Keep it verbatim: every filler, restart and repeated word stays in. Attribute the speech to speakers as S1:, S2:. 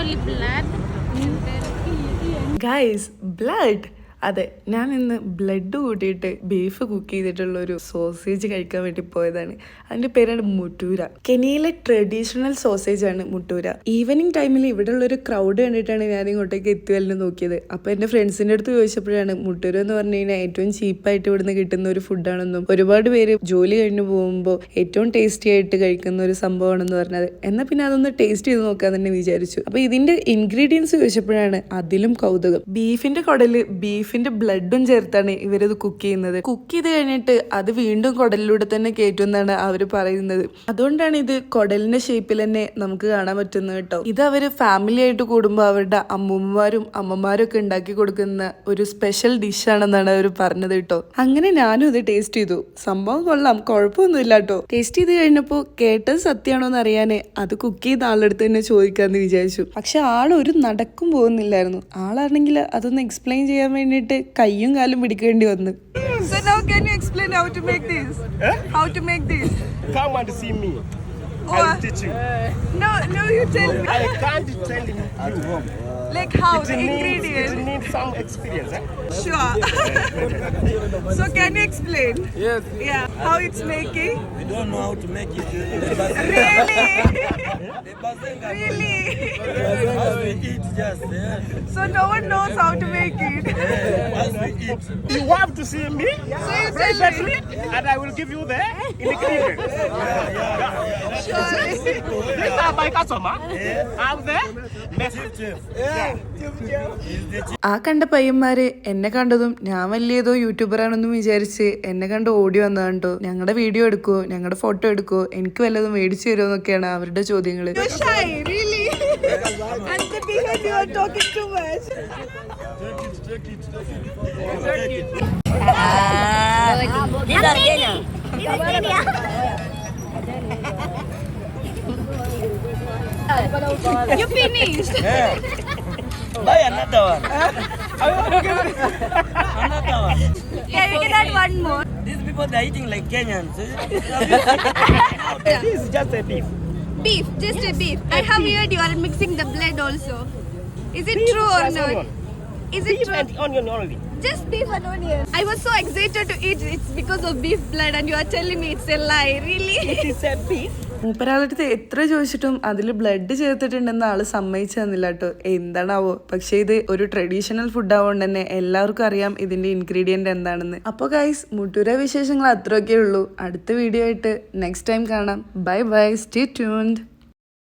S1: actually blood.
S2: Guys, blood. അതെ, ഞാൻ ഇന്ന് ബ്ലഡ് കൂട്ടിയിട്ട് ബീഫ് കുക്ക് ചെയ്തിട്ടുള്ള ഒരു സോസേജ് കഴിക്കാൻ വേണ്ടി പോയതാണ്. അതിന്റെ പേരാണ് മുട്ടൂര. കെനിയയിലെ ട്രഡീഷണൽ സോസേജ് ആണ് മുട്ടൂര. ഈവനിങ് ടൈമിൽ ഇവിടെ ഉള്ള ഒരു ക്രൗഡ് കണ്ടിട്ടാണ് ഞാൻ ഇങ്ങോട്ടേക്ക് എത്തിവല്ലെന്ന് നോക്കിയത്. അപ്പൊ എന്റെ ഫ്രണ്ട്സിന്റെ അടുത്ത് ചോദിച്ചപ്പോഴാണ് മുട്ടൂര എന്ന് പറഞ്ഞു കഴിഞ്ഞാൽ ഏറ്റവും ചീപ്പായിട്ട് ഇവിടുന്ന് കിട്ടുന്ന ഒരു ഫുഡാണെന്നും ഒരുപാട് പേര് ജോലി കഴിഞ്ഞ് പോകുമ്പോൾ ഏറ്റവും ടേസ്റ്റി ആയിട്ട് കഴിക്കുന്ന ഒരു സംഭവമാണെന്ന് പറഞ്ഞത്. എന്നാൽ പിന്നെ അതൊന്ന് ടേസ്റ്റ് ചെയ്ത് നോക്കാൻ തന്നെ വിചാരിച്ചു. അപ്പൊ ഇതിന്റെ ഇൻഗ്രീഡിയൻസ് ചോദിച്ചപ്പോഴാണ് അതിലും കൗതുകം. ബീഫിന്റെ കുടല് ബീഫ് ബീഫിന്റെ ബ്ലഡും ചേർത്താണ് ഇവരത് കുക്ക് ചെയ്യുന്നത്. കുക്ക് ചെയ്ത് കഴിഞ്ഞിട്ട് അത് വീണ്ടും കുടലിലൂടെ തന്നെ കയറ്റും എന്നാണ് അവർ പറയുന്നത്. അതുകൊണ്ടാണ് ഇത് കുടലിന്റെ ഷേപ്പിൽ തന്നെ നമുക്ക് കാണാൻ പറ്റുന്നത് കേട്ടോ. ഇത് അവര് ഫാമിലി ആയിട്ട് കൂടുമ്പോൾ അവരുടെ അമ്മൂമ്മമാരും അമ്മമാരും ഒക്കെ ഉണ്ടാക്കി കൊടുക്കുന്ന ഒരു സ്പെഷ്യൽ ഡിഷ് ആണെന്നാണ് അവർ പറഞ്ഞത് കേട്ടോ. അങ്ങനെ ഞാനും ഇത് ടേസ്റ്റ് ചെയ്തു. സംഭവം കൊള്ളാം, കുഴപ്പമൊന്നുമില്ല കേട്ടോ. ടേസ്റ്റ് ചെയ്ത് കഴിഞ്ഞപ്പോൾ കേട്ടത് സത്യമാണോ എന്ന് അറിയാനേ അത് കുക്ക് ചെയ്ത ആളെടുത്ത് തന്നെ ചോദിക്കാന്ന് വിചാരിച്ചു. പക്ഷെ ആളൊരു നടക്കും പോകുന്നില്ലായിരുന്നു. ആളാണെങ്കിൽ അതൊന്ന് എക്സ്പ്ലെയിൻ ചെയ്യാൻ വേണ്ടി കയ്യും കാലും പിടിക്കേണ്ടി വന്നു.
S3: So now can you explain how to make this?
S4: Huh?
S3: How to make this?
S4: Come and see me.
S3: Oh,
S4: I will teach you.
S3: No, no, you tell me.
S4: I can't tell you at home.
S3: Like how
S4: It
S3: the
S4: needs,
S3: ingredients.
S4: it needs some experience. Eh?
S3: Sure. So can you explain?
S5: Yes.
S3: Yeah. How it's making?
S5: We don't know how to make it.
S3: Really? Really?
S5: As we eat just yeah.
S3: So no one knows how to make it.
S5: As we eat.
S4: You have to see me
S3: So you
S4: very
S3: tell me.
S4: quickly, and I will give you the ingredients.
S3: Sure.
S4: These are my customer. I'm the
S5: Chef.
S2: ആ കണ്ട പയ്യന്മാര് എന്നെ കണ്ടതും ഞാൻ വലിയതോ യൂട്യൂബറാണെന്നും വിചാരിച്ച് എന്നെ കണ്ട് ഓടി വന്നതാണ്ടോ. ഞങ്ങളുടെ വീഡിയോ എടുക്കുവോ, ഞങ്ങളുടെ ഫോട്ടോ എടുക്കുവോ, എനിക്ക് വല്ലതും മേടിച്ചു തരുമോ എന്നൊക്കെയാണ് അവരുടെ ചോദ്യങ്ങള്.
S3: You're shy, really? And the behind you are talking too much.
S5: Take it, take it, take it.
S6: These are Kenya. This is Kenya.
S3: You finished.
S5: Yeah. Buy another one. Another one.
S3: Yeah, you can add one more.
S5: These people they are eating like Kenyans.
S4: This is just a beef.
S3: Beef, just a beef. I have heard you are mixing the blood also. Is it
S4: Beef
S3: true or
S4: plus
S3: not?
S4: onion.
S3: Is it
S4: Beef
S3: true?
S4: and onion only.
S3: Just beef and onion. I was so excited to eat. It's because of beef blood, and you are telling me it's a lie. Really?
S4: It is a beef.
S2: മൂപ്പരാളടുത്ത് എത്ര ചോദിച്ചിട്ടും അതിൽ blood ചേർത്തിട്ടുണ്ടെന്ന് ആള് സമ്മതിച്ചു തന്നില്ല കേട്ടോ. എന്താണാവോ. പക്ഷെ ഇത് ഒരു ട്രഡീഷണൽ ഫുഡ് ആവുകൊണ്ട് തന്നെ എല്ലാവർക്കും അറിയാം ഇതിന്റെ ഇൻഗ്രീഡിയന്റ് എന്താണെന്ന്. അപ്പോൾ ഗൈസ്, മുട്ടൂര വിശേഷങ്ങൾ അത്രയൊക്കെ ഉള്ളൂ. അടുത്ത വീഡിയോ ആയിട്ട് നെക്സ്റ്റ് ടൈം കാണാം. Bye bye, stay tuned.